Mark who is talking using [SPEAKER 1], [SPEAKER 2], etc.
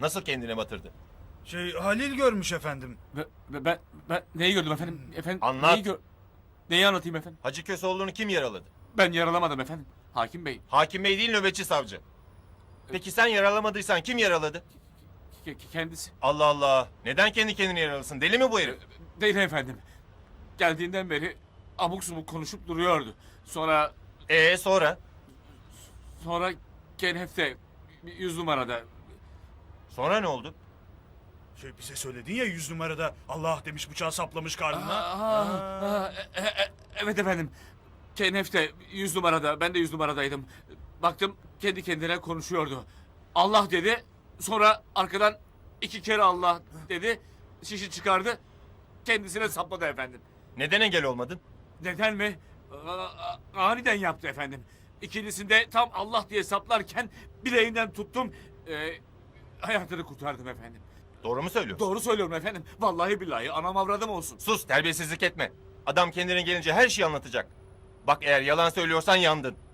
[SPEAKER 1] Nasıl kendine batırdı?
[SPEAKER 2] Halil görmüş efendim.
[SPEAKER 3] Ben neyi gördüm efendim? Efendim
[SPEAKER 1] Anlat.
[SPEAKER 3] Neyi anlatayım efendim?
[SPEAKER 1] Hacı Köseoğlu'nu kim yaraladı?
[SPEAKER 3] Ben yaralamadım efendim. Hakim Bey.
[SPEAKER 1] Hakim Bey değil, nöbetçi savcı. Peki sen yaralamadıysan kim yaraladı?
[SPEAKER 3] Kendisi.
[SPEAKER 1] Allah Allah. Neden kendi kendini yaralasın? Deli mi bu herif?
[SPEAKER 3] Değil efendim. Geldiğinden beri abuk subuk konuşup duruyordu. Sonra
[SPEAKER 1] Sonra?
[SPEAKER 3] Kenef'te 100 numarada.
[SPEAKER 1] Sonra ne oldu?
[SPEAKER 2] Bize söyledin ya 100 numarada Allah demiş bıçağı saplamış karnına.
[SPEAKER 3] Evet efendim. Kenef'te 100 numarada. Ben de 100 numaradaydım. Baktım kendi kendine konuşuyordu. Allah dedi. Sonra arkadan 2 kere Allah dedi. Şişi çıkardı. Kendisine sapladı efendim.
[SPEAKER 1] Neden engel olmadın?
[SPEAKER 3] Neden mi? Aniden yaptı efendim. İkincisinde tam Allah diye saplarken bileğinden tuttum. Hayatını kurtardım efendim.
[SPEAKER 1] Doğru mu söylüyorsun?
[SPEAKER 3] Doğru söylüyorum efendim. Vallahi billahi anam avradım olsun.
[SPEAKER 1] Sus, terbiyesizlik etme. Adam kendine gelince her şeyi anlatacak. Bak eğer yalan söylüyorsan yandın.